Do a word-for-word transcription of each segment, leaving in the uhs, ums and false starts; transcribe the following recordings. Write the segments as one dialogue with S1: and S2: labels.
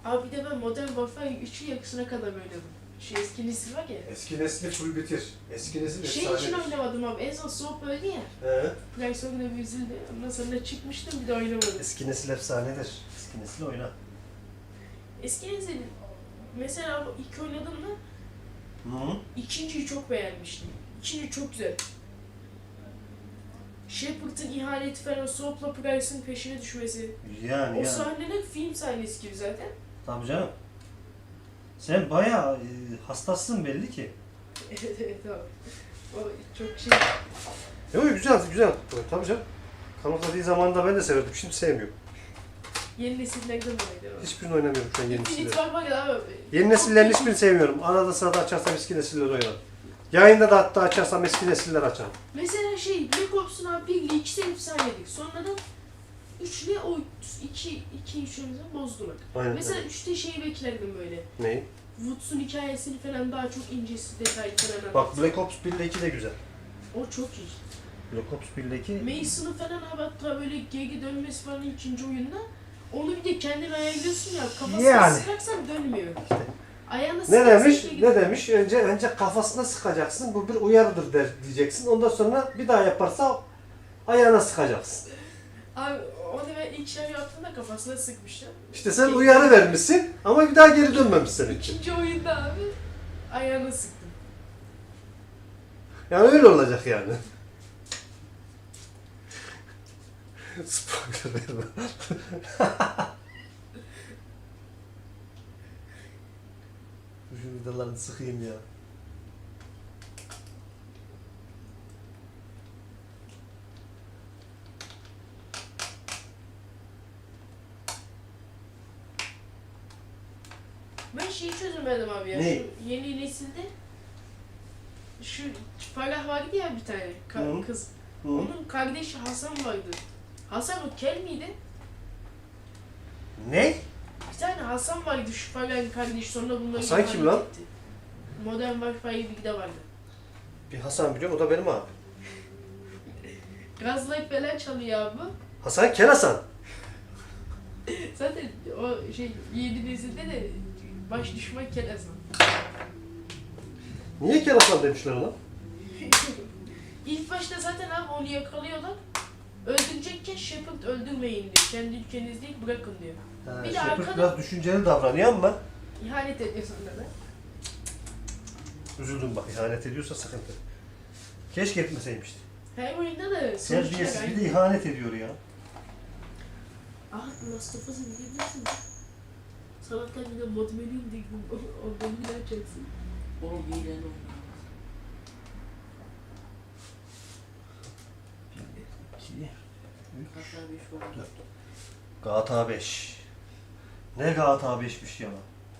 S1: Abi bir de ben Modern Warfare üçü yakısına kadar oynadım. Şu eski nesil var ya.
S2: Eski nesli full bitir. Eski nesil
S1: Şey
S2: efsanedir.
S1: için oynamadım abi. En son Soğuk öldü ya.
S2: He.
S1: Price oyunda bir üzüldü. Ondan sonra çıkmıştım bir de oynamadım.
S2: Eski nesil efsanedir. Eski nesil oyna.
S1: Eski nesil mesela ilk oynadığımda
S2: Hı.
S1: ikinciyi çok beğenmiştim. İkinci çok güzel. Shepard'ın ihaneti falan, Soap'la Price'ın peşine düşmesi.
S2: Yani
S1: O
S2: yani.
S1: sahneler film sahnesi gibi zaten.
S2: Tabii canım. Sen bayağı e, hastasın belli ki.
S1: Evet evet abi. O çok şey.
S2: Yok güzel güzel. Tabii canım. Kanıtladığı zamanında ben de severdim. Şimdi sevmiyorum.
S1: Yeni nesillerden dolayı abi.
S2: Hiçbirini oynamıyorum şu an yeni
S1: Infinite
S2: nesilleri.
S1: var var ya abi.
S2: Yeni nesillerin hiçbirini sevmiyorum. Arada sırada açarsam eski nesilleri oynarım. Yayında da hatta açarsam eski nesiller açarım.
S1: Mesela şey Black Ops'un abi bir ile ikisi efsaneydi. Sonradan üç ile o iki iki üçümüzü bozdular.
S2: Aynen.
S1: Mesela
S2: Evet.
S1: üçte şeyi beklerdim böyle.
S2: Neyi?
S1: Woods'un hikayesini falan daha çok incesi detaylı falan.
S2: Bak Black Ops bir ile iki de güzel.
S1: O çok iyi.
S2: Black Ops bir ile iki...
S1: Mason'ı falan abi hatta böyle geri dönmesi falan ikinci oyunda. Onu bir de kendin ayarlıyorsun ya, kafasına
S2: Yani.
S1: sıkarsan dönmüyor.
S2: İşte.
S1: Ayağına
S2: Ne
S1: sıkarsan
S2: demiş?
S1: geri
S2: Ne demiş? Önce önce kafasına sıkacaksın. Bu bir uyarıdır der diyeceksin. Ondan sonra bir daha yaparsa ayağına sıkacaksın.
S1: Abi onu ben ilk şey yaptığımda kafasına sıkmıştım.
S2: İşte sen uyarı vermişsin ama bir daha geri dönmemişsin.
S1: İkinci oyunda abi ayağına sıktım.
S2: Yani öyle olacak yani. Spoiler verme. Şu vidalarını sıkayım ya.
S1: Ben şeyi çözemedim abi ya.
S2: Ne?
S1: Şu yeni nesilde şu Farah vardı ya bir tane ka-
S2: Hı.
S1: kız.
S2: Hı.
S1: Onun kardeşi Hasan vardı. Hasan o kel miydi?
S2: Ne?
S1: Bir tane Hasan vardı şu Farah'ın kardeşi, sonra bunları
S2: Hasan
S1: ihanet
S2: kim lan?
S1: etti. Modern Warfare birde vardı.
S2: Bir Hasan biliyorum, o da benim abi.
S1: Gazlayıp falan çalıyor abi.
S2: Hasan Kel Hasan.
S1: Zaten o şey yeni nesilde de baş düşman kel Hasan.
S2: Niye Kel Hasan demişler ona?
S1: İlk başta zaten abi onu yakalıyorlar. Öldürecekken Shepard öldürmeyin diyor. Kendi ülkeniz değil bırakın diyor.
S2: Ha,
S1: Bir de
S2: Shepard
S1: arkada-
S2: biraz düşünceli davranıyor ama
S1: İhanet ediyor sonra da.
S2: üzüldüm bak, ihanet ediyorsa sıkıntı. Keşke etmeseymişti.
S1: Her oyunda da
S2: Terbiyesiz
S1: sonuçlar
S2: bir de ihanet ediyor ya.
S1: Ah, Last of Us'ı bilebilirsin. Sabahtan bir de mod menü indirdim. Ondan bile açacaksın.
S3: O hile ne?
S2: İki,
S3: Hatta beş var.
S2: dört. G T A beş. Ne G T A beşmiş ya lan.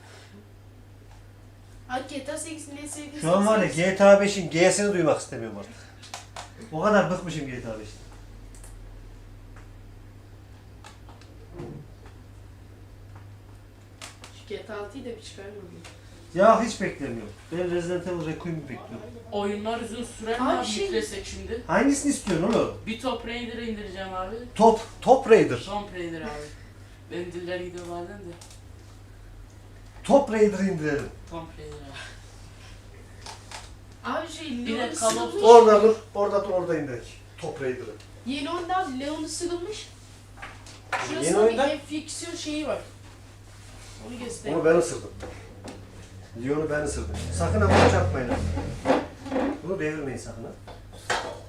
S1: Ha G T A sekizin en sevdiğim
S2: Şu an var ya
S1: serisi.
S2: G T A beşin G'sini duymak istemiyorum artık. O kadar bıkmışım G T A beşten.
S1: Şu G T A altıyı da bir çıkarmadım.
S2: Ya hiç beklemiyorum. Ben Resident Evil Requiem'i bekliyorum.
S3: Oyunlar uzun sürer mi
S1: Abi
S3: abi
S1: şey-
S3: yüklesek şimdi?
S2: Hangisini istiyorsun oğlum?
S3: Bir Top Raider'ı indireceğim abi.
S2: Top, Top Raider.
S3: Tomb Raider abi. Benim diller gidiyor bazen de.
S2: Top Raider'ı indirelim.
S3: Tomb Raider abi.
S1: Abi şey
S3: Bir de
S1: Leon
S3: Call of
S1: ısırılmış.
S2: Orada dur, orada dur, orada indirek. Top Raider'ı.
S1: Yeni oyunda abi Leon ısırılmış.
S2: Yeni
S1: Şurasında bir
S2: oyunda?
S1: enfiksiyon şeyi var. Onu göstereyim.
S2: Onu ben ısırdım. Leon'u ben ısırdım. Sakın ama çarpmayın. Bunu devirmeyin sakın ha.